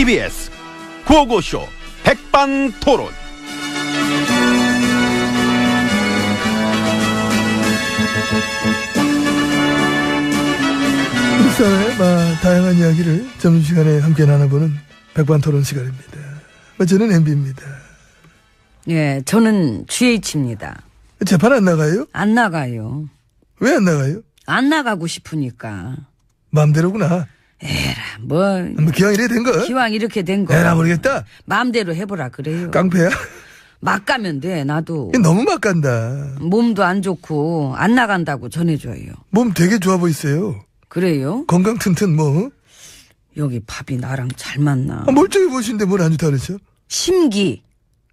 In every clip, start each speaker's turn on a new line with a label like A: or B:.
A: TBS 구호고쇼 백반토론.
B: 일상의 다양한 이야기를 점심시간에 함께 나눠보는 백반토론 시간입니다. 저는 MB입니다.
C: 예, 저는 GH입니다.
B: 재판 안 나가요?
C: 안 나가요.
B: 왜 안 나가요?
C: 안 나가고 싶으니까.
B: 마음대로구나.
C: 에라, 뭐
B: 기왕 이래 된 거?
C: 기왕 이렇게 된 거.
B: 에라 모르겠다.
C: 마음대로 해보라 그래요.
B: 깡패야?
C: 막 가면 돼, 나도.
B: 너무 막 간다.
C: 몸도 안 좋고 안 나간다고 전해줘요.
B: 몸 되게 좋아 보이세요.
C: 그래요?
B: 건강 튼튼 뭐.
C: 여기 밥이 나랑 잘 맞나.
B: 멀쩡해 보이시는데 뭘 안 좋다 그러죠?
C: 심기.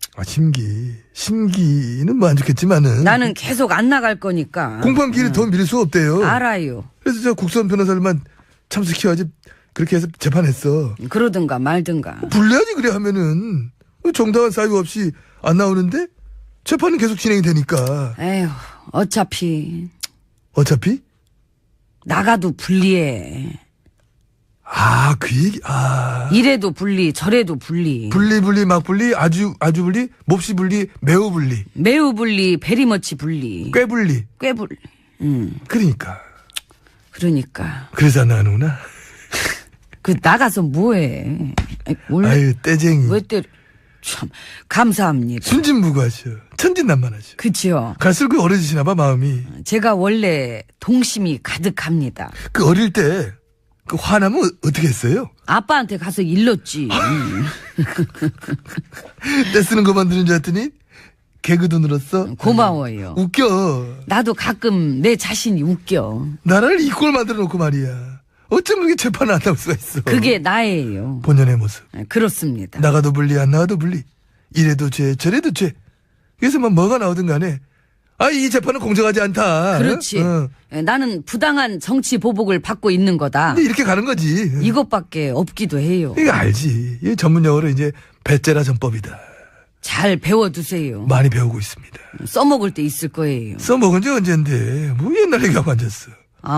B: 심기는 뭐 안 좋겠지만은.
C: 나는 계속 안 나갈 거니까.
B: 공판기를 더 미룰 수 없대요.
C: 알아요.
B: 그래서 저 국선 변호사를만 참석해야지 그렇게 해서 재판했어.
C: 그러든가 말든가.
B: 불리하지 그래 하면은 정당한 사유 없이 안 나오는데 재판은 계속 진행이 되니까.
C: 에휴, 어차피 나가도 불리해.
B: 그 얘기.
C: 이래도 불리, 저래도 불리.
B: 분리 막 분리 아주 분리 몹시 분리 매우 분리
C: 매우 불리, 베리머치 불리.
B: 꽤 분리.
C: 꽤 불리.
B: 그러니까 그래서 안 나가는구나.
C: 그 나가서 뭐해?
B: 아유 떼쟁이.
C: 왜 때려? 참 감사합니다.
B: 순진무구하셔. 천진난만하셔.
C: 그치요.
B: 갈수록 그 어려지시나 봐 마음이.
C: 제가 원래 동심이 가득합니다.
B: 그 어릴 때 그 화나면 어떻게 했어요?
C: 아빠한테 가서 일렀지.
B: 떼쓰는 것만 들은 줄 알았더니 개그도 늘었어.
C: 고마워요.
B: 웃겨.
C: 나도 가끔 내 자신이 웃겨.
B: 나라를 이 꼴 만들어 놓고 말이야. 어쩜 그게 재판을 안 나올 수가 있어.
C: 그게 나예요.
B: 본연의 모습.
C: 그렇습니다.
B: 나가도 불리 안 나가도 불리. 이래도 죄 저래도 죄. 그래서 뭐가 나오든 간에 이 재판은 공정하지 않다.
C: 그렇지. 나는 부당한 정치 보복을 받고 있는 거다.
B: 근데 이렇게 가는 거지.
C: 이것밖에 없기도 해요.
B: 이거 알지. 이 전문 용어로 이제 배째라 전법이다.
C: 잘 배워두세요.
B: 많이 배우고 있습니다.
C: 써먹을 때 있을 거예요.
B: 써먹은 지 언젠데 뭐 옛날 얘기하고 앉았어.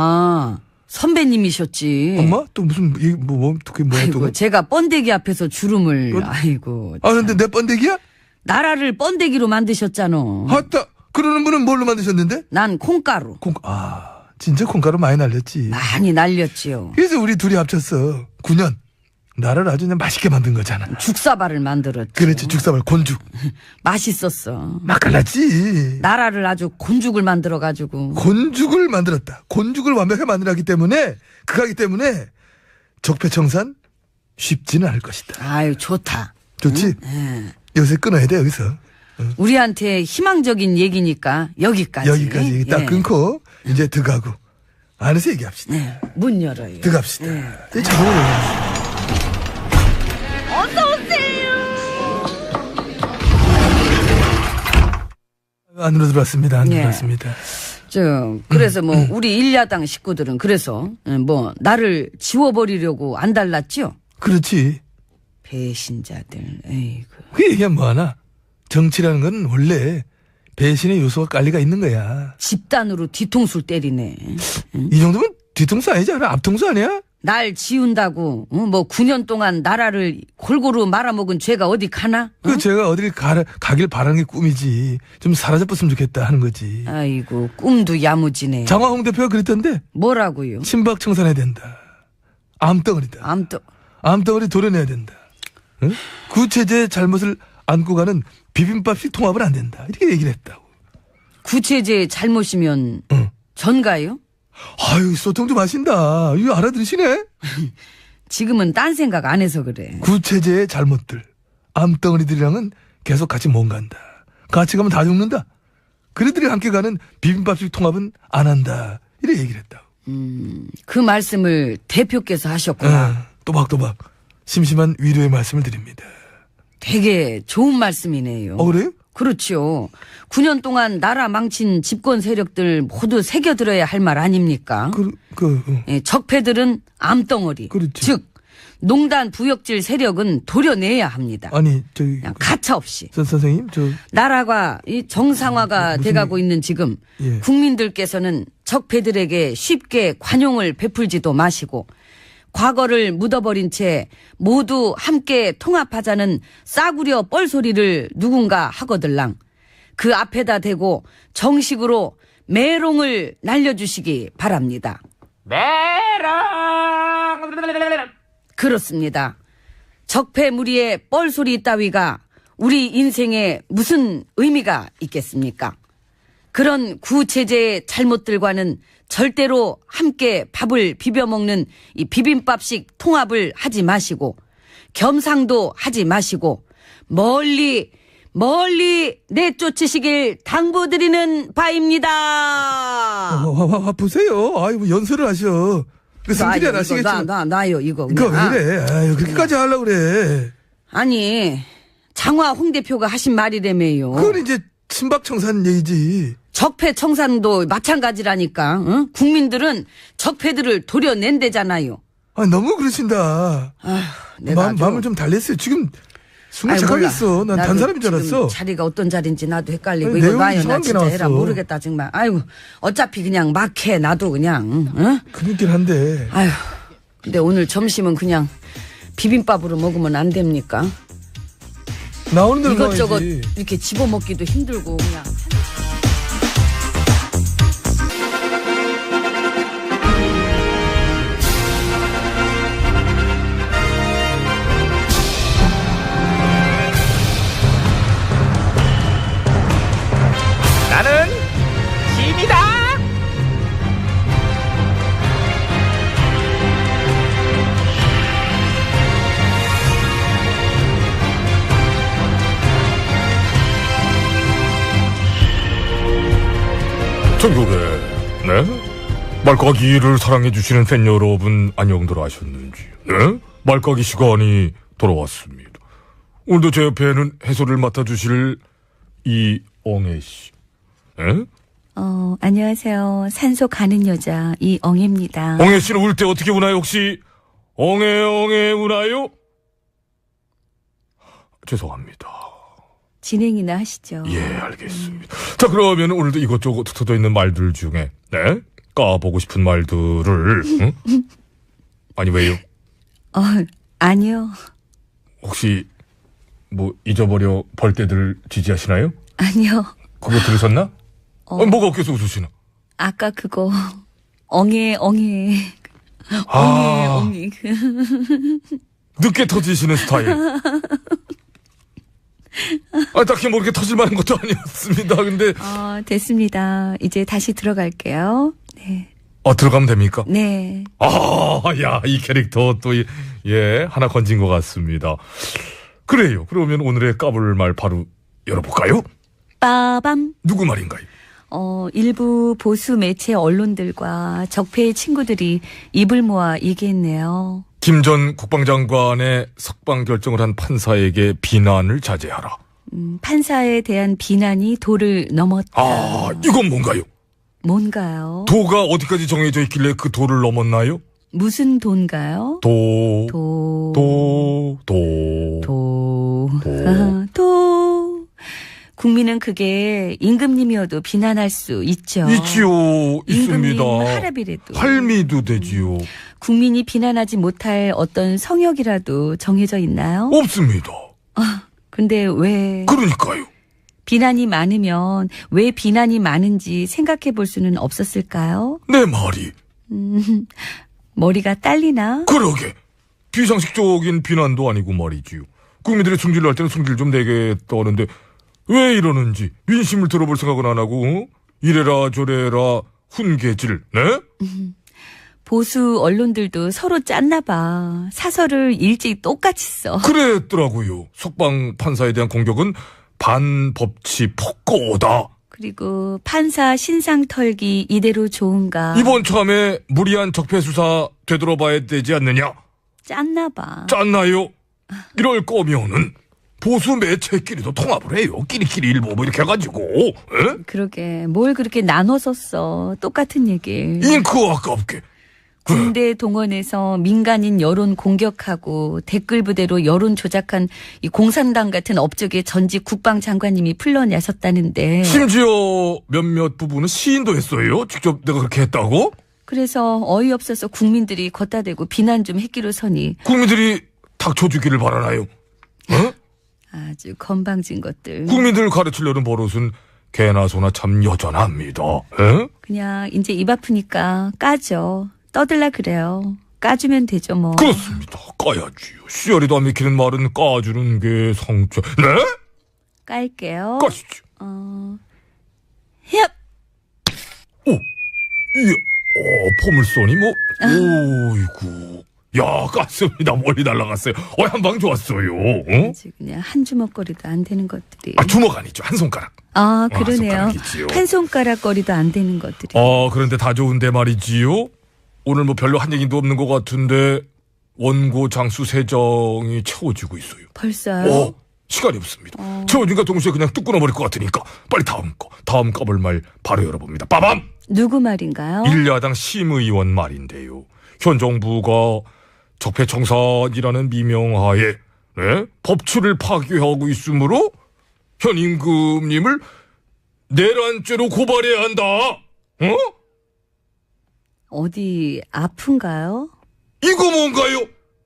C: 선배님이셨지.
B: 엄마? 또 무슨 그게 뭐야 또.
C: 아이고, 제가 번데기 앞에서 주름을. 아이고.
B: 근데 내 번데기야?
C: 나라를 번데기로 만드셨잖아.
B: 아따. 그러는 분은 뭘로 만드셨는데?
C: 난 콩가루.
B: 진짜 콩가루 많이 날렸지.
C: 많이 날렸지요.
B: 그래서 우리 둘이 합쳤어. 9년. 나를 아주 그냥 맛있게 만든 거잖아.
C: 죽사발을 만들었지.
B: 그렇지, 죽사발, 곤죽.
C: 맛있었어.
B: 맛깔났지.
C: 나라를 아주 곤죽을 만들어가지고.
B: 곤죽을 만들었다. 곤죽을 완벽하게 만들었기 때문에, 그거기 때문에 적폐청산 쉽지는 않을 것이다.
C: 아유, 좋다.
B: 좋지?
C: 응?
B: 요새 끊어야 돼, 여기서.
C: 우리한테 희망적인 얘기니까 여기까지.
B: 여기까지 딱 끊고 이제 들어가고 안에서 얘기합시다.
C: 문 열어요.
B: 들어갑시다. 자동으로
C: 어서오세요.
B: 안으로 들어왔습니다. 들어왔습니다.
C: 그래서 우리 일야당 식구들은 그래서 나를 지워버리려고 안 달랐죠?
B: 그렇지.
C: 배신자들. 에이구.
B: 그 얘기하면 뭐하나. 정치라는 건 원래 배신의 요소가 깔리가 있는 거야.
C: 집단으로 뒤통수를 때리네. 응?
B: 이 정도면 뒤통수 아니지 않아? 앞통수 아니야?
C: 날 지운다고 9년 동안 나라를 골고루 말아먹은 죄가 어디 가나?
B: 제가 어딜 가길 바라는 게 꿈이지. 좀 사라져봤으면 좋겠다 하는 거지.
C: 아이고 꿈도 야무지네.
B: 장화홍 대표가 그랬던데.
C: 뭐라고요?
B: 친박 청산해야 된다. 암덩어리다. 암덩어리 도려내야 된다. 응? 구체제의 잘못을 안고 가는 비빔밥식 통합은 안 된다. 이렇게 얘기를 했다고.
C: 구체제의 잘못이면 전가요?
B: 아유, 소통 좀 하신다. 이거 알아들으시네?
C: 지금은 딴 생각 안 해서 그래.
B: 구체제의 잘못들. 암덩어리들이랑은 계속 같이 못 간다. 같이 가면 다 죽는다. 그들이 함께 가는 비빔밥식 통합은 안 한다. 이렇게 얘기를 했다고.
C: 그 말씀을 대표께서 하셨구나.
B: 또박또박 심심한 위로의 말씀을 드립니다.
C: 되게 좋은 말씀이네요.
B: 그래요?
C: 그렇죠. 9년 동안 나라 망친 집권 세력들 모두 새겨들어야 할 말 아닙니까? 적폐들은 암덩어리.
B: 그렇지.
C: 즉 농단 부역질 세력은 도려내야 합니다.
B: 아니
C: 그냥 가차 없이.
B: 선생님
C: 나라가 이 정상화가 돼가고 있는 지금 국민들께서는 적폐들에게 쉽게 관용을 베풀지도 마시고 과거를 묻어버린 채 모두 함께 통합하자는 싸구려 뻘소리를 누군가 하거들랑 그 앞에다 대고 정식으로 메롱을 날려주시기 바랍니다. 메롱! 그렇습니다. 적폐무리의 뻘소리 따위가 우리 인생에 무슨 의미가 있겠습니까? 그런 구체제의 잘못들과는 절대로 함께 밥을 비벼먹는 이 비빔밥식 통합을 하지 마시고 겸상도 하지 마시고 멀리 내쫓으시길 당부드리는 바입니다.
B: 보세요. 아이고 연설을 하셔. 그 성질이 나시겠지만.
C: 놔요 이거.
B: 그거 왜 그래? 아유 그렇게까지 하려고 그래.
C: 아니 장화 홍 대표가 하신 말이라며요.
B: 그건 이제 친박청산 얘기지.
C: 적폐청산도 마찬가지라니까. 응? 국민들은 적폐들을 도려낸대잖아요.
B: 아 너무 그러신다.
C: 아휴, 내가
B: 마음을 좀 달랬어요. 지금 숨을 착각했어. 난 단 사람인 줄 알았어.
C: 자리가 어떤 자리인지 나도 헷갈리고.
B: 아니,
C: 이거
B: 내용이
C: 봐요. 나
B: 이상한 게
C: 진짜
B: 나왔어.
C: 해라 모르겠다 정말. 아이고 어차피 그냥 막 해. 나도 그냥. 응?
B: 그렇긴 한데.
C: 아휴 근데 오늘 점심은 그냥 비빔밥으로 먹으면 안 됩니까?
B: 나오는 대로
C: 이것저것
B: 나와야지.
C: 이렇게 집어먹기도 힘들고 그냥.
A: 나는 짐이다.
D: 전국에 말까기를 사랑해주시는 팬 여러분 안녕들 하셨는지 말까기 시간이 돌아왔습니다. 오늘도 제 옆에는 해설을 맡아주실 이엉애씨.
E: 안녕하세요. 산소 가는 여자 이엉애입니다.
D: 엉애씨는 울 때 어떻게 우나요? 혹시 엉애 우나요? 죄송합니다.
E: 진행이나 하시죠.
D: 예, 알겠습니다. 자, 그러면 오늘도 이것저것 흩어져 있는 말들 중에 까보고 싶은 말들을 아니 왜요?
E: 아니요.
D: 혹시 뭐 잊어버려 벌떼들 지지하시나요?
E: 아니요.
D: 그거 들으셨나? 뭐가 없겠어 웃으시나?
E: 아까 그거 엉애
D: 늦게 터지시는 스타일. 딱히 뭐 이렇게 터질 만한 것도 아니었습니다. 근데
E: 됐습니다. 이제 다시 들어갈게요. 네.
D: 들어가면 됩니까?
E: 네.
D: 야, 이 캐릭터 또 하나 건진 것 같습니다. 그래요. 그러면 오늘의 까불 말 바로 열어볼까요?
E: 빠밤.
D: 누구 말인가요?
E: 일부 보수 매체 언론들과 적폐의 친구들이 입을 모아 얘기했네요.
D: 김 전 국방장관의 석방 결정을 한 판사에게 비난을 자제하라.
E: 판사에 대한 비난이 도를 넘었다.
D: 이건 뭔가요?
E: 뭔가요?
D: 도가 어디까지 정해져 있길래 그 도를 넘었나요?
E: 무슨 돈가요?
D: 도.
E: 국민은 그게 임금님이어도 비난할 수 있죠.
D: 있지요. 있습니다.
E: 임금님 할아비래도.
D: 할미도 되지요.
E: 국민이 비난하지 못할 어떤 성역이라도 정해져 있나요?
D: 없습니다.
E: 근데 왜?
D: 그러니까요.
E: 비난이 많으면 왜 비난이 많은지 생각해 볼 수는 없었을까요?
D: 내 말이.
E: 머리가 딸리나?
D: 그러게. 비상식적인 비난도 아니고 말이지요. 국민들이 승질을 할 때는 승질 좀 내겠다는데 왜 이러는지 민심을 들어볼 생각은 안 하고 이래라 저래라 훈계질. 네?
E: 보수 언론들도 서로 짰나 봐. 사설을 일찍 똑같이 써.
D: 그랬더라고요. 석방 판사에 대한 공격은 반법치 폭거다.
E: 그리고 판사 신상 털기 이대로 좋은가.
D: 이번 참에 무리한 적폐 수사 되돌아봐야 되지 않느냐.
E: 짰나 봐.
D: 짰나요? 이럴 거면은 보수 매체끼리도 통합을 해요. 끼리끼리 일보 뭐 이렇게 해가지고. 에?
E: 그러게 뭘 그렇게 나눠서 써. 똑같은 얘기.
D: 잉크 아깝게.
E: 군대 동원해서 민간인 여론 공격하고 댓글 부대로 여론 조작한 이 공산당 같은 업적의 전직 국방장관님이 풀려나섰다는데.
D: 심지어 몇몇 부분은 시인도 했어요. 직접 내가 그렇게 했다고?
E: 그래서 어이없어서 국민들이 걷다 대고 비난 좀 했기로 서니
D: 국민들이 닥쳐주기를 바라나요? 어?
E: 아주 건방진 것들.
D: 국민들을 가르치려는 버릇은 개나 소나 참 여전합니다. 에?
E: 그냥 이제 입 아프니까 까죠. 떠들라 그래요. 까주면 되죠 뭐.
D: 그렇습니다. 까야지요. 씨알이도 안 맥히는 말은 까주는 게 성취. 네?
E: 깔게요.
D: 까시죠.
E: 헙.
D: 오, 이게, 포물선이 뭐, 오이구. 야, 깠습니다. 멀리 날아갔어요. 한방 좋았어요. 어?
E: 아주 그냥 한 주먹거리도 안 되는 것들이.
D: 주먹 아니죠. 한 손가락.
E: 아, 그러네요.
D: 손가락이지요.
E: 한 손가락 거리도 안 되는 것들이.
D: 그런데 다 좋은데 말이지요. 오늘 뭐 별로 한 얘기도 없는 것 같은데, 원고 장수 세정이 채워지고 있어요.
E: 벌써요?
D: 시간이 없습니다. 채워진과 동시에 그냥 뚝 끊어버릴 것 같으니까, 빨리 다음 까볼 말 바로 열어봅니다. 빠밤!
E: 누구 말인가요?
D: 일야당 심의원 말인데요. 현 정부가 적폐청산이라는 미명하에 네? 법치를 파괴하고 있으므로 현 임금님을 내란죄로 고발해야 한다. 어?
E: 어디 아픈가요?
D: 이거 뭔가요?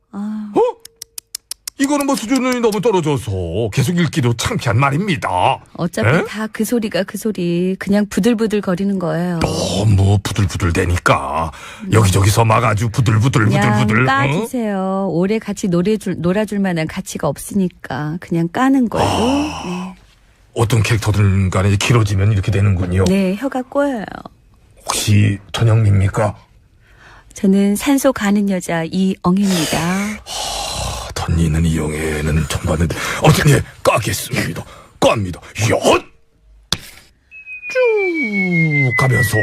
D: 이거는 뭐 수준이 너무 떨어져서 계속 읽기도 창피한 말입니다.
E: 어차피
D: 에?
E: 다 그 소리가 그 소리. 그냥 부들부들 거리는 거예요.
D: 너무 부들부들 대니까 여기저기서 막 아주 부들부들
E: 그냥
D: 어?
E: 까주세요. 오래 같이 놀아줄 만한 가치가 없으니까 그냥 까는 걸로. 네.
D: 어떤 캐릭터들 간에 길어지면 이렇게 되는군요.
E: 네, 혀가 꼬여요.
D: 혹시 전영미입니까?
E: 저는 산소 가는 여자 이엉입니다.
D: 던니는 이영애는 처음 봤는데 어쨌든 예 까겠습니다. 깝니다. 엿! 쭉 가면서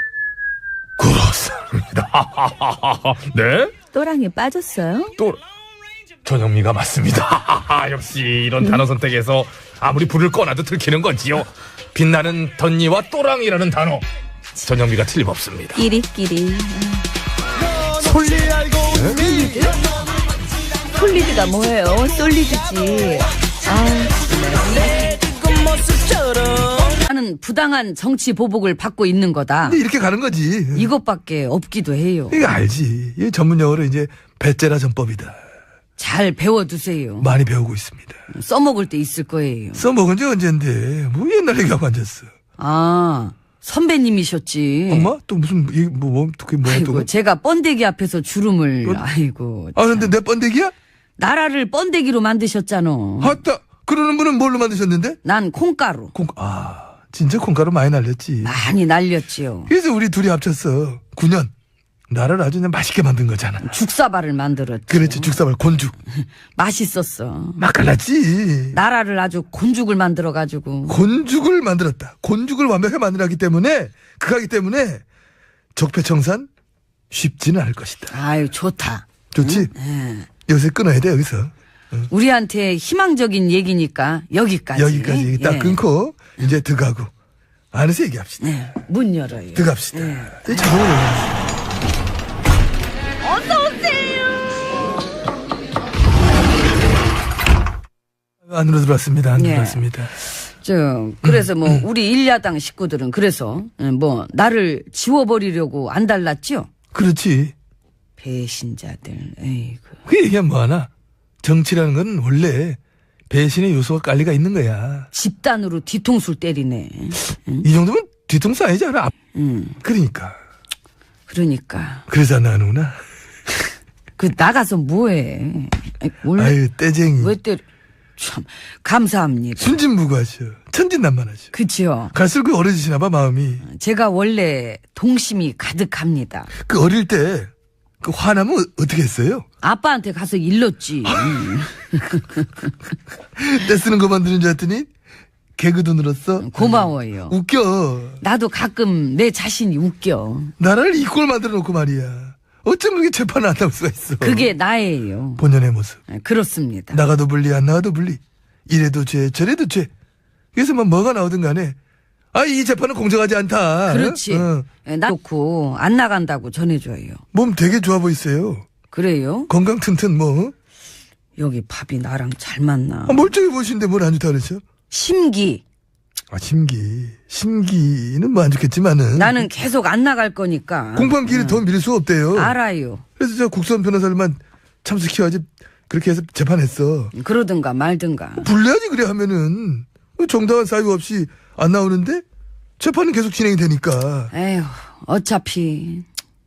D: 그렇습니다. 네?
E: 또랑에 빠졌어요?
D: 또 전영미가 맞습니다. 역시 이런 단어 선택에서 아무리 불을 꺼놔도 들키는 거지요. 빛나는 던니와 또랑이라는 단어 전영미가 틀림없습니다.
E: 끼리끼리. 솔리드? 솔리드가 뭐예요? 솔리드지.
C: 나는 부당한 정치 보복을 받고 있는 거다.
B: 근데 이렇게 가는 거지.
C: 이것밖에 없기도 해요.
B: 이거 알지. 이 전문 용어로 이제 배째라 전법이다.
C: 잘 배워두세요.
B: 많이 배우고 있습니다.
C: 써먹을 때 있을 거예요.
B: 써먹은 지 언젠데 뭐 옛날 얘기하고 앉았어.
C: 아, 선배님이셨지.
B: 엄마? 또 무슨 그게 뭐야
C: 아이고,
B: 또?
C: 제가 번데기 앞에서 주름을 아이고.
B: 근데 내 번데기야?
C: 나라를 번데기로 만드셨잖아.
B: 아따. 그러는 분은 뭘로 만드셨는데?
C: 난 콩가루.
B: 진짜 콩가루 많이 날렸지.
C: 많이 날렸지요.
B: 그래서 우리 둘이 합쳤어. 9년. 나를 아주 그냥 맛있게 만든 거잖아.
C: 죽사발을 만들었지.
B: 그렇지, 죽사발, 곤죽.
C: 맛있었어.
B: 맛깔났지.
C: 나라를 아주 곤죽을 만들어가지고.
B: 곤죽을 만들었다. 곤죽을 완벽하게 만들었기 때문에, 그거기 때문에 적폐청산 쉽지는 않을 것이다.
C: 아유, 좋다.
B: 좋지?
C: 응?
B: 요새 끊어야 돼, 여기서.
C: 우리한테 희망적인 얘기니까 여기까지.
B: 여기까지 딱
C: 예.
B: 끊고, 이제 들어가고. 안에서 얘기합시다.
C: 네, 문 열어요.
B: 들어갑시다.
C: 네.
B: 자동으로 열어요. 안으로 들어왔습니다. 안으로
C: 예.
B: 들어왔습니다.
C: 그래서 뭐 우리 일야당 식구들은 그래서 뭐 나를 지워버리려고 안 달랐죠?
B: 그렇지.
C: 배신자들. 에이구.
B: 그 얘기하면 뭐하나. 정치라는 건 원래 배신의 요소가 깔리가 있는 거야.
C: 집단으로 뒤통수를 때리네.
B: 이 정도면 뒤통수 아니지 않아? 그러니까. 그래서 안 나가는구나.
C: 그 나가서 뭐해?
B: 아유 떼쟁이.
C: 왜 때려? 참 감사합니다.
B: 순진무구하셔. 천진난만하셔.
C: 그치요.
B: 갈수록 그 어려지시나 봐 마음이.
C: 제가 원래 동심이 가득합니다.
B: 그 어릴 때 그 화나면 어떻게 했어요?
C: 아빠한테 가서 일렀지.
B: 떼쓰는 것만 들은 줄 알았더니 개그도 늘었어.
C: 고마워요.
B: 웃겨.
C: 나도 가끔 내 자신이 웃겨.
B: 나라를 이 꼴 만들어 놓고 말이야. 어쩜 그렇게 재판을 안 나올 수가 있어.
C: 그게 나예요.
B: 본연의 모습.
C: 그렇습니다.
B: 나가도 분리 안 나가도 분리. 이래도 죄 저래도 죄. 그래서 뭐가 나오든 간에 이 재판은 공정하지 않다.
C: 그렇지. 나 좋고 안 나간다고 전해줘요.
B: 몸 되게 좋아 보이세요.
C: 그래요?
B: 건강 튼튼 뭐.
C: 여기 밥이 나랑 잘 맞나.
B: 멀쩡해 보이시는데 뭘 안 좋다 그러죠?
C: 심기.
B: 심기는 뭐 안 좋겠지만은.
C: 나는 계속 안 나갈 거니까.
B: 공판기를 더 미룰 수 없대요.
C: 알아요.
B: 그래서 저 국선 변호사를만 참석해야지 그렇게 해서 재판했어.
C: 그러든가 말든가.
B: 불려야지 그래 하면은 정당한 사유 없이 안 나오는데 재판은 계속 진행이 되니까.
C: 에휴, 어차피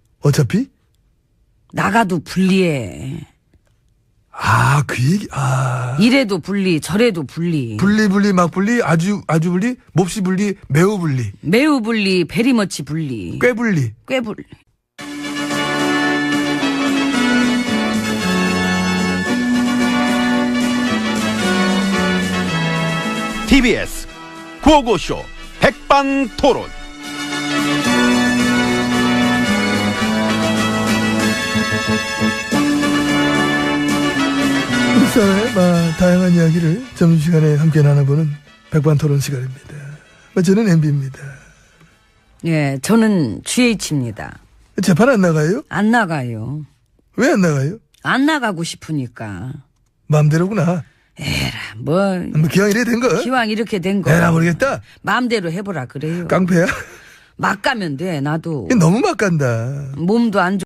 C: 나가도 불리해.
B: 그 얘기.
C: 이래도 불리, 저래도 불리.
B: 분리, 막 분리, 아주 분리, 몹시 분리, 매우 분리.
C: 매우 불리, 베리머치 불리.
B: 꽤 분리.
C: 꽤 불리.
A: TBS 구호고쇼 백반토론.
B: 우리 사회의 다양한 이야기를 점심시간에 함께 나눠보는 백반토론 시간입니다. 저는 MB입니다.
C: 예, 저는 GH입니다.
B: 재판 안 나가요?
C: 안 나가요.
B: 왜 안 나가요?
C: 안 나가고 싶으니까.
B: 마음대로구나.
C: 에라, 뭐.
B: 기왕 이래 된 거?
C: 기왕 이렇게 된 거.
B: 에라 모르겠다.
C: 마음대로 해보라 그래요.
B: 깡패야?
C: 막 가면 돼, 나도.
B: 너무 막 간다.
C: 몸도 안 좋.